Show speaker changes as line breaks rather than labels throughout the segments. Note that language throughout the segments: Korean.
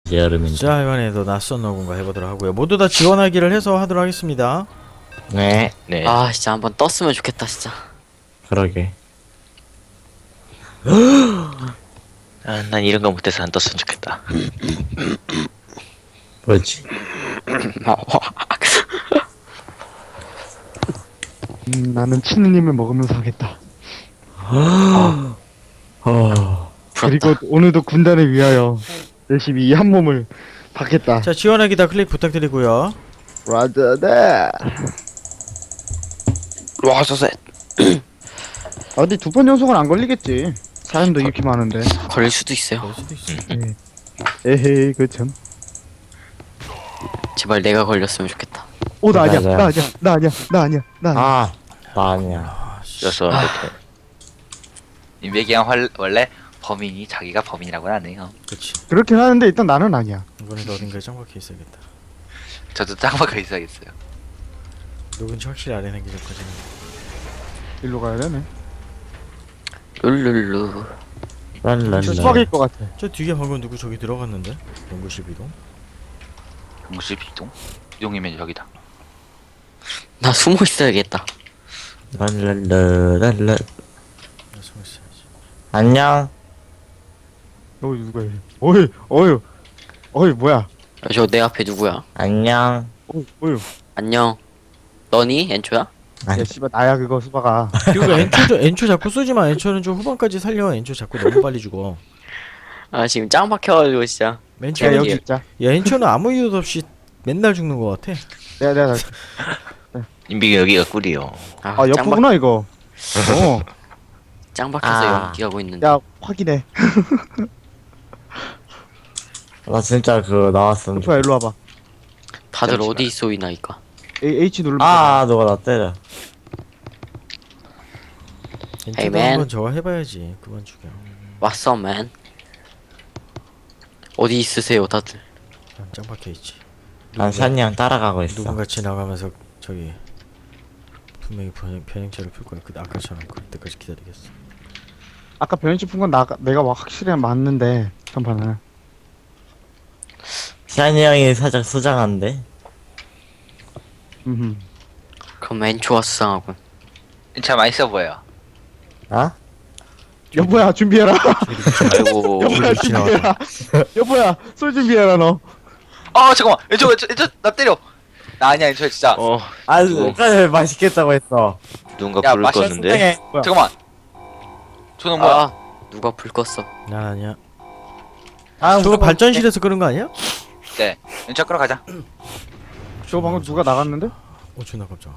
여름인데.
자, 이번에도 낯선 노군가 해보도록 하고요. 모두 다 지원하기를 해서 하도록 하겠습니다.
네,
네.
아 진짜 한번 떴으면 좋겠다 진짜.
그러게.
아, 난 이런 거 못해서 안 떴으면 좋겠다.
뭐지?
나는 치느님을 먹으면서 하겠다. 그리고 오늘도 군단을 위하여 열심히 이 한 몸을 받겠다.
자, 지원하기 다 클릭 부탁드리고요.
라드네.
와서셋.
아 근데 두 번 연속은 안 걸리겠지. 사람도 이렇게 많은데.
걸릴 수도 있어요.
그럴 수도 있어.
에헤이 그참.
제발 내가 걸렸으면 좋겠다.
오 나 아니야.
맞아요.
나 아니야. 나 아니야. 나 아니야. 나 아니야.
아, 나 아니야.
여섯 이렇게.
인베기양 원래 범인이 자기가 범인이라고는 안 해요.
그렇지.
그렇긴 하는데 일단 나는 아니야.
이번에도 어딘가에 짱박혀 있어야겠다.
저도 짱박혀 있어야겠어요.
누군지 확실히 알아내기 전까지는.
일로 가야 되네.
룰룰루.
랄랄라.
수박일 것 같아.
저 뒤에 방금 누구 저기 들어갔는데? 연구실 비동?
공실 비동? 비동이면 여기다.
나 숨어 있어야겠다.
랄랄라.
나 숨어 있어야지.
안녕.
누가 이래? 어이 뭐야?
저 내 앞에 누구야?
안녕.
어이.
안녕. 너니 엔초야?
야 씨발 나야 그거 수박아.
그리고 엔초 자꾸 쏘지 마. 엔초는 좀 후반까지 살려. 엔초 자꾸 너무 빨리 죽어.
아 지금 짱 박혀가지고 진짜.
맨
야
처음에
여기 있자.
야, 엔초는 아무 이유도 없이 맨날 죽는 것 같아.
내가
인비기 여기가 꿀이요.
아,
아 옆구나 이거.
짱 박혀서
아.
연기하고 있는데.
야 확인해.
나 진짜 그거 나왔으면
수박아 일로 와봐.
다들
잠시만.
어디 쏘이나이까.
H 누르면.
아, 누가 나 때려.
엔초도
Hey,
한번 저거 해봐야지. 그만 죽여.
왔어 맨. 어디 있으세요 다들?
난 짱박혀 있지.
난 샤니 형 따라가고 있어.
누군가 지나가면서 저기 분명히 변형체를 풀 거야. 그 아까처럼 그럴 때까지 기다리겠어.
아까 변신 푼건 내가 확실히 맞는데 전판은.
샤니 형이 살짝 수상한데?
그럼 엔초가 수상하군.
참 맛있어 보여.
아?
여보야 준비해라.
아이고.
여보야 준비해라. 여보야 술 준비해라 너.
아 잠깐만. 저 나 때려. 나 아니야 저 진짜.
아, 아까 맛있겠다고 했어.
누군가
야,
불을
맛있는
껐는데.
뭐야?
잠깐만. 저는 뭐야?
아 누가 불 껐어?
난 아니야.
아,
저거 발전실에서 끄는 거 아니야?
네. 왼쪽 끌어 가자.
저 방금 누가 나갔는데?
어, 존나 깜짝아.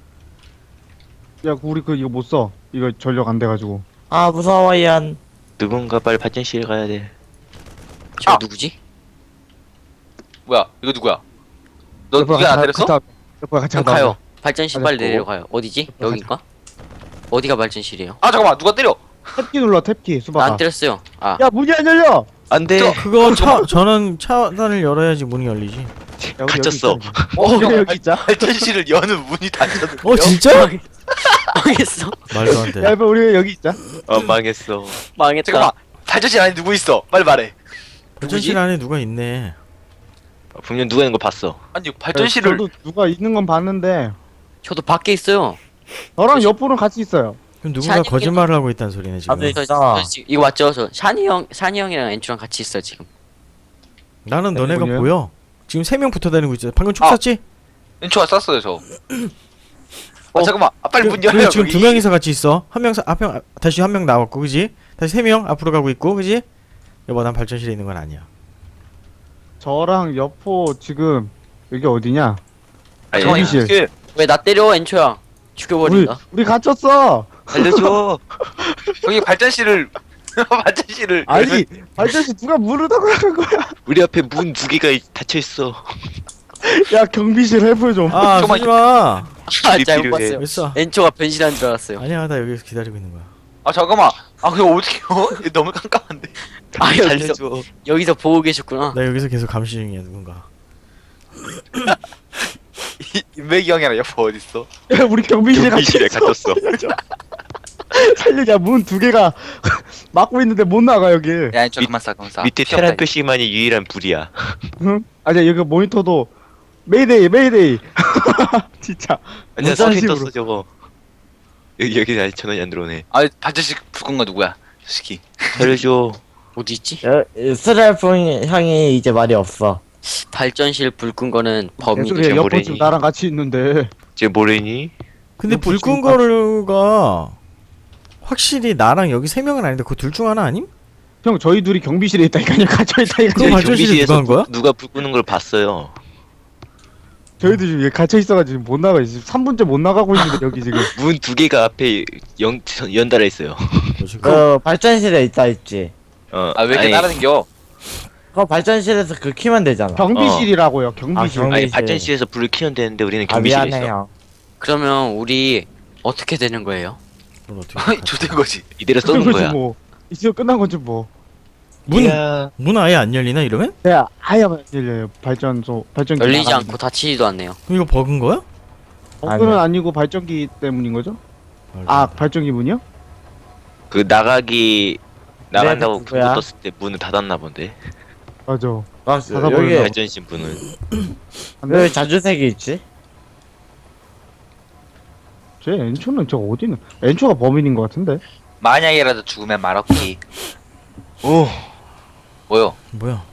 야 우리 그 이거 못 써. 이거 전력 안 돼가지고.
아, 무서워, 이안.
누군가 빨리 발전실 가야 돼.
저
아!
누구지?
뭐야? 이거 누구야? 너 누가 나 때렸어?
여보야 같이
그럼
가자.
가요. 발전실 빨리
알았고.
내려가요. 어디지? 여긴가? 어디가 발전실이에요?
아 잠깐만. 누가 때려?
탭키 눌러 탭키
나
수박아.
안 때렸어요. 아
야 문이 안 열려.
안 돼.
그거 저는 차단을 열어야지 문이 열리지.
야, 우리
갇혔어.
여기 있자. 우리 여기 있자.
발전실을 여는 문이 닫혔는데.
어, 진짜?
망했어.
말도 안 돼.
야 여보 우리 여기 있자.
망했어.
망했다.
잠깐만. 발전실 안에 누구 있어? 빨리 말해.
발전실 안에 누가 있네.
분명 누가 있는 거 봤어.
아니 발전실을
저도 누가 있는 건 봤는데
저도 밖에 있어요.
너랑 옆으로는 같이 있어요.
그럼 누군가
샤니
거짓말을 하고 있다는 소리네, 지금.
다들
저
있잖아.
지금 이거 맞죠? 저 샤니 형이랑 엔초랑 같이 있어요 지금.
나는 너네가
누구냐?
보여. 지금 3명 붙어 다니고 있어. 방금 총
아.
쐈지?
왼초가 쐈어요 저. 잠깐만. 아, 빨리 문 열려.
그리고 지금
거기.
2명이서 같이 있어. 다시 한 명 나왔고, 그지? 다시 3명 앞으로 가고 있고, 그지? 여보, 난 발전실에 있는 건 아니야.
저랑 여포 지금 여기 어디냐?
아니,
잠깐만.
여기실.
이게
왜 나 때려 엔초야? 죽여버린다.
우리 갇혔어.
알려줘.
여기 발전실을 발전실을
아니 발전시 누가 문을 닫고 나간 거야?
우리 앞에 문 두 개가 닫혀 있어.
야 경비실 헬프 좀.
아,
잠깐만.
쏘지 마!
아
필요해.
잘못 봤어요.
왜 쏴?
엔초가 변신한 줄 알았어요.
아니야, 나 여기서 기다리고 있는 거야.
아 잠깐만. 아 그거 어떡해요? 이거 너무 깜깜한데.
아 여기서
알려줘.
여기서 보고 계셨구나.
나 여기서 계속 감시 중이야, 누군가.
인베기 형이랑 여보 어디 있어?
야 우리 경비실에
경비실에
갇혔어.
갇혔어.
살려자. 문 두 개가 막고 있는데 못 나가 여기.
야 저 그만 싸 그만 싸.
밑에
필요 없다,
테란 표시만이 유일한 불이야.
응? 아니야 여기 모니터도 메이데이 메이데이. 진짜.
아니야
어떤
사진
식으로?
떴어 저거. 여기 아직 전원이 안 들어오네.
아 발전식 불 끈 거 누구야? 저 새끼.
살려줘.
어디 있지?
스트라이프 향이 이제 말이 없어.
발전실 불 끈 거는 범인.
개소리야.
저
옆에
모래니.
지금 나랑 같이 있는데.
쟤 뭐래니?
근데
이거
불 끈 거가 확실히 나랑 여기 세 명은 아닌데 그 둘 중 하나 아님?
형 저희 둘이 경비실에 있다니까요. 갇혀 있다니까.
그럼 발전실에 누가 한 거야?
누가 불 끄는 걸 봤어요.
저희도 지금 갇혀 있어가지고 못 나가. 지금 3분째 못 나가고 있는데 여기 지금.
문 두 개가 앞에 연달아 있어요.
뭐지?
그 발전실에 있다 있지.
아 왜 이렇게
아니,
따라다녀?
그 발전실에서 그 키면 되잖아.
경비실이라고요. 경비실.
아,
아니
경비실.
발전실에서 불을 켜면 되는데 우리는
아
경비실에 있어.
미안해요.
그러면 우리 어떻게 되는 거예요?
그걸 어떻게
조된 거지.
이대로
끝난
쏘는
거지
거야.
뭐. 이제 끝난 거지 뭐.
문 아예 안 열리나 이러면?
네, 아예 안 열려요. 발전기
열리지
나가는데.
않고 닫히지도 않네요.
그럼 이거 버그인 거야?
그건 아니고 발전기 때문인 거죠? 아 발전기 문이요?
그 나간다고
네,
그거
누구야?
떴을 때 문을 닫았나 본데.
맞아.
아,
닫아버려.
여기
발전실 문은.
왜 자주색이 있지?
쟤 엔초는 저 어디 있는? 엔초가 범인인 것 같은데.
만약이라도 죽으면 말없기.
오.
뭐요?
뭐야?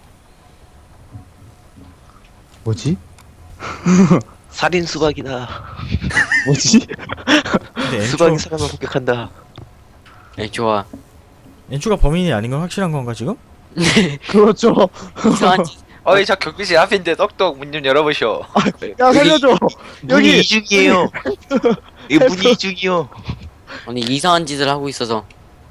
뭐지?
살인 수박이다.
뭐지?
근데
수박이 사람을 폭격한다.
네, 좋아.
엔초가 범인이 아닌 건 확실한 건가 지금?
그렇죠.
이상한 짓.
어이 저 경비실 앞인데 떡떡 문 좀 열어보셔.
야 살려줘.
문이
여기
이중이에요. 이 문이 이중이요.
아니 이상한 짓을 하고 있어서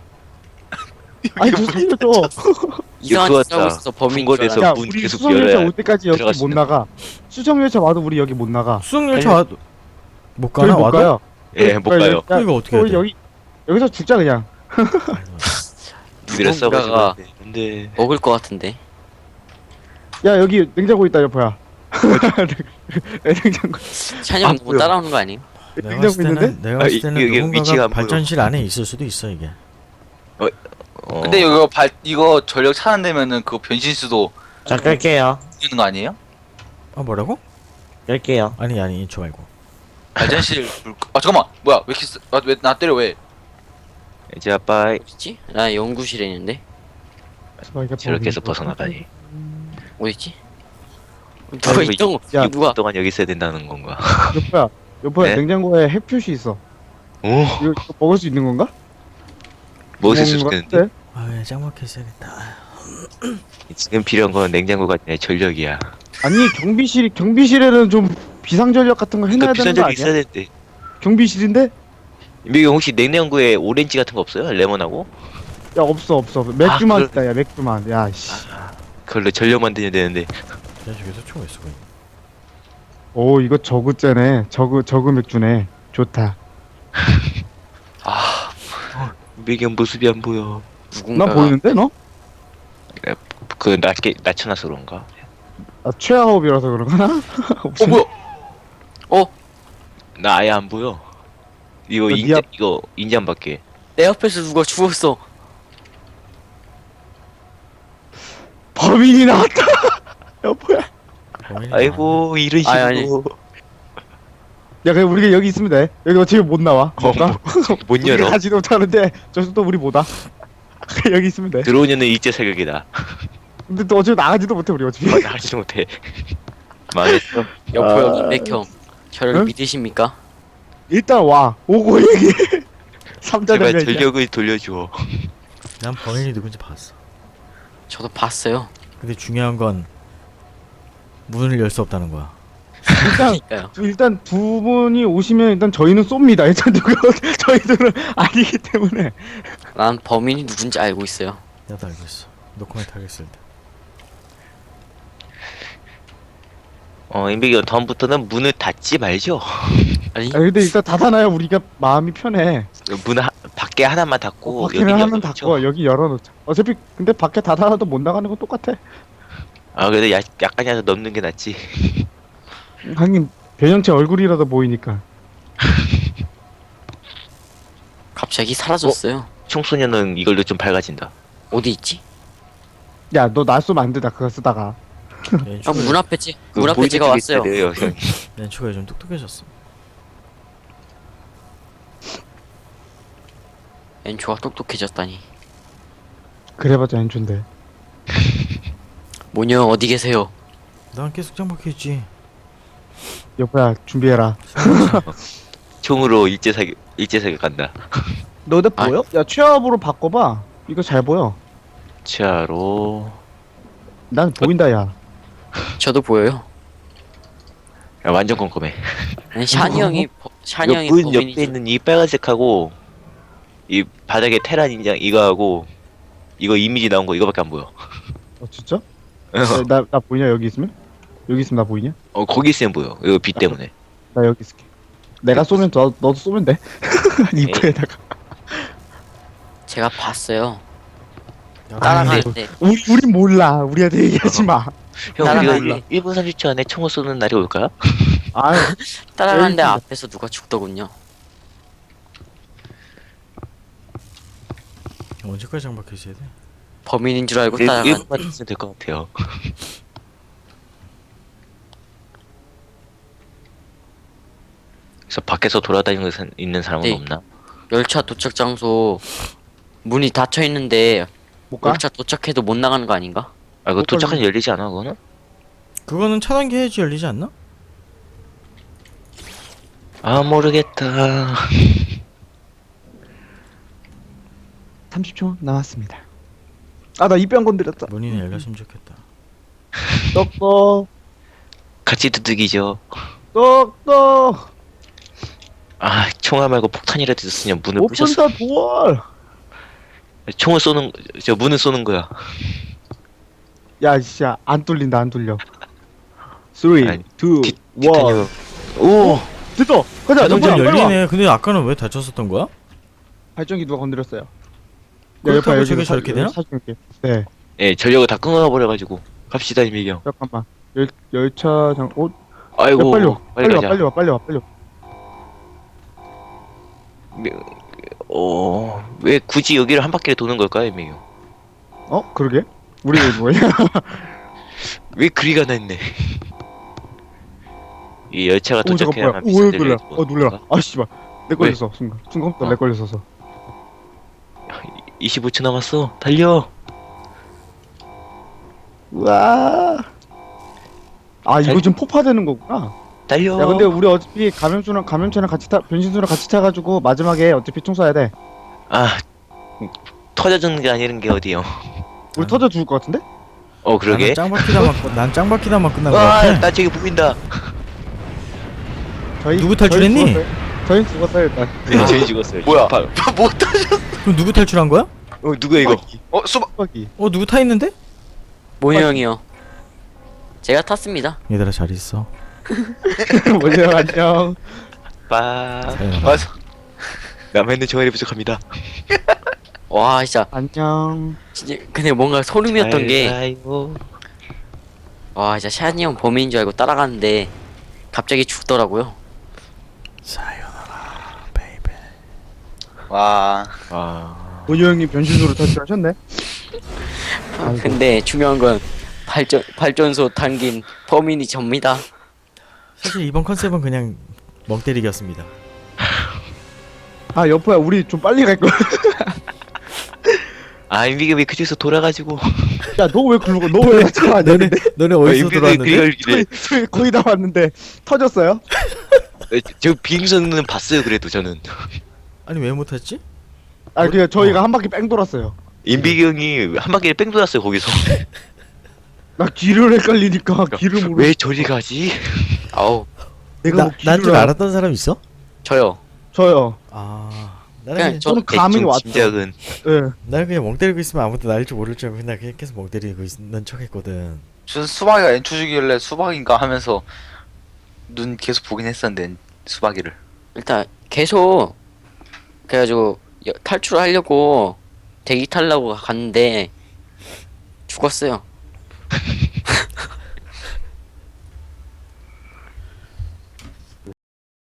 아니 저 살려줘.
이상한
그거
짓을 하고
같다.
있어서 범인 줄
궁궐에서
알았는데.
야
문
우리
계속
수성열차
열어야
올 때까지 여기
들어갈 수
못
있는
나가. 수성열차 와도 우리 여기 못 나가.
수영열차 와도 못
저희
가나
못
와도?
가요.
예, 못 가요.
그럼 이거 어떻게 해야
우리
돼?
여기서 죽자 그냥.
이래서
누군가가
근데
먹을 것 같은데.
야 여기 냉장고 있다 여보야. 냉장고.
찬이
아,
형 너무
뭐야.
따라오는 거 아니에요?
내가
냉장고
봤을 때는
있는데?
내가 봤을
아,
때는
이게 위치가
누군가가
안 보여.
발전실 안에 있을 수도 있어 이게.
근데 이거 전력 차단되면은 그 변신수도
자 끌게요.
되는 거 아니에요?
아 뭐라고?
끌게요.
아니 엔초 말고.
발전실 아 잠깐만 뭐야 왜 이렇게 왜 나 때려 왜?
이제 아빠
어딨지? 나 연구실에 있는데.
저렇게서 벗어나다니.
어딨지? 누가
이거
있던 거?
야,
이거 누가?
동안 여기 있어야 된다는 건가?
여보야
네?
냉장고에 핵 표시 있어.
오,
이거 먹을 수 있는 건가?
먹을 수
먹는 거
있겠는데?
같아.
아왜 짱막혀 있어야겠다.
지금 필요한 건 냉장고가 아니라 전력이야.
아니 경비실에는 좀 비상전력 같은 거 해놔야
그
되는 거
비상적이 있어야
아니야?
되는데.
경비실인데?
미경 혹시 냉장고에 오렌지 같은 거 없어요? 레몬하고?
야 없어 맥주만
아,
있다 야 맥주만. 야씨.
그걸로 전력 만들면 되는데.
야저기서 총있어 보이네.
오 이거 저그째네. 저그 맥주네. 좋다.
아
미경 모습이 안 보여.
나
누군가가
보이는데 너?
그 낮춰놔서 그런가?
아 최하업이라서 그런가?
뭐야?
나 아예 안 보여. 이거
너
인자 이거 인자 안 받게.
내 옆에서 누가 죽었어.
범인이 나왔다. 여보야.
범인이
아이고 이런 식으로.
아니.
야 그냥 우리가 여기 있으면 돼. 여기 어차피 못 나와. 뭘까?
못
우리가
열어.
가지도 못하는데 저기서 또 우리 못 와. 그냥 여기 있으면 돼.
들어오면은 일제 사격이다.
근데 또 어차피 나가지도 못해 우리 어차피.
나가지도 못해. 망했어.
여포 형,
아.
인백 형. 저를
응?
믿으십니까?
일단 와. 오고 얘기. 삼자
제발
되면
전력을 돌려줘.
난 범인이 누군지 봤어.
저도 봤어요.
근데 중요한 건 문을 열 수 없다는 거야.
그러니까요.
일단 두 분이 오시면 일단 저희는 쏩니다. 일단 누가 저희들은 아니기 때문에.
난 범인이 누군지 알고 있어요.
나도 알고 있어. 노코멘트 하겠습니다.
인백이 다음부터는 문을 닫지 말죠.
아니
아 근데 일단 닫아놔야 우리가 마음이 편해.
밖에 하나만 닫고
밖에는
여기
하면
열어놓죠.
닫고 여기 열어놓자. 어차피 근데 밖에 닫아놔도 못 나가는 건 똑같아.
아 그래도 약간이라도 넘는 게 낫지.
하긴 변형체 얼굴이라도 보이니까.
갑자기 사라졌어요.
청소년은 이걸로 좀 밝아진다.
어디 있지?
야, 너 나 쏘면 안 된다. 그거 쓰다가.
아, 문 앞에
그
문 앞에 제가 왔어요.
보이는 게 있어야 돼요,
렌초가 요즘 똑똑해졌어.
엔초가 똑똑해졌다니.
그래봤자 엔초인데.
모녀 어디 계세요?
난 계속 장박해있지.
여보야, 준비해라.
총으로 일제사격 간다.
너네
아.
보여? 야, 취업으로 바꿔봐. 이거 잘 보여.
치아로.
난 보인다, 야.
저도 보여요.
야, 완전 꼼꼼해.
아니, 샤니 형이 샤니 형이
이거 문 옆에
범인이죠.
있는 이 빨간색하고 이 바닥에 테란 인장 이거하고 이거 이미지 나온 거 이거밖에 안 보여.
진짜? 나 보이냐, 여기 있으면? 여기 있으면 나 보이냐?
거기 있으면 보여. 이거 빛 때문에.
나 여기 있을게. 내가 쏘면 너도 쏘면 돼. 입구에다가.
제가 봤어요.
야,
따라가는데
우리 몰라. 우리한테 얘기하지 마.
형
따라가는데
우리가 1분 30초 안에 총을 쏘는 날이 올까요?
아,
따라가는데
에이,
앞에서 누가 죽더군요.
언제까지 장박해있어야 돼?
범인인 줄 알고
1분만 있으면 될 것 같아요. 그래서 밖에서 돌아다니는 있는 사람은
네.
없나?
열차 도착 장소 문이 닫혀 있는데
못 가?
열차 도착해도 못 나가는 거 아닌가?
아 그거
못
도착하면 열리지 않아 그거는?
그거는 차단기 해야지 열리지 않나?
아 모르겠다.
30초 남았습니다. 아, 나 입병 건드렸다.
문이는 열렸으면 좋겠다.
똑똑,
같이 두들기죠.
똑똑.
아 총알 말고 폭탄이라도 있으면 문을 부셨어.
오픈다 도어.
총을 쏘는 저 문을 쏘는 거야.
야, 진짜 안 뚫린다, 안 뚫려. 3, 2, 1.
티타늄. 오.
됐어. 가자.
자동차
빨리 와.
열리네. 근데 아까는 왜 닫혔었던 거야?
발전기 누가 건드렸어요?
그렇다고 저게 저렇게 되나?
사줄게. 네.
예 전력을 다 끊어버려가지고 갑시다 이미경.
잠깐만. 열차 장.
아이고.
야, 빨리 와. 빨리 와.
가자.
빨리 와. 빨리 와. 빨리 와.
왜 굳이 여기를 한 바퀴를 도는 걸까요 이미경?
그러게. 우리 뭐야?
왜 그리가 났네. 이 열차가
오, 잠깐 뭐야?
도착해야만
오, 왜
비싼
놀라? 놀라. 아, 씨발. 내
왜?
걸렸어. 순간부터 내 걸렸어서.
25초 남았어. 달려.
우와. 아, 이거 좀 폭파되는 거구나.
달려.
야, 근데 우리 어차피 감염체랑 같이 변신수랑 같이 타가지고 마지막에 어차피 총 쏴야 돼.
아 터져 죽는 게 아니는 게 어디요?
우리 터져 죽을 것 같은데?
그러게.
난 짱박히다만 끝난 거
와,
같아.
나 저기 보인다.
누구 탈출했니?
저희 죽었어요 일단.
네, 저희 죽었어요.
뭐야?
못 터져.
그럼 누구 탈출한 거야?
누구야 이거?
수박.
수박이.
누구 타 있는데?
모녀 형이요. 제가 탔습니다.
얘들아 잘 있어.
뭐냐 안녕.
빠.
사연아.
맞아.
남해는 정활이 부족합니다.
와 진짜
안녕.
근데 뭔가 소름이었던 게
가요.
와 진짜 샤니 형 범인인 줄 알고 따라가는데 갑자기 죽더라고요.
사연아, 베이베.
와.
아.
본유 형님 변신으로 탈출하셨네.
근데 중요한 건 발전소 당긴 범인이 접니다.
사실 이번 컨셉은 그냥 멍 때리기였습니다.
아 여포야 우리 좀 빨리 갈 거야.
아 인비가 왜 그쪽에서 돌아가지고.
야 너 왜 글로 가? 너왜 왔잖아.
너네 어디서 들어왔는데?
저희 거의 다 왔는데 터졌어요?
저 비행선은 봤어요 그래도 저는.
아니 왜 못했지?
아 그냥 저희가 한 바퀴 뺑 돌았어요.
인비기 형이 한 바퀴를 뺑 돌았어요 거기서.
나 길을 헷갈리니까 길을 모르.
왜 저리 가지?
아우
내가 뭐
난 줄
길을
알았던 사람 있어?
저요.
저요.
아,
그냥
나는
저는 감이
대충
왔죠.
짐작은.
예.
나는 그냥 멍 때리고 있으면 아무도 나일 줄 모를 줄 알고 그냥 계속 멍 때리고 있는 척했거든.
전 수박이가 엔초 주길래 수박인가 하면서 눈 계속 보긴 했었는데 수박이를.
일단 계속 그래가지고 탈출을 하려고 대기 타려고 갔는데 죽었어요.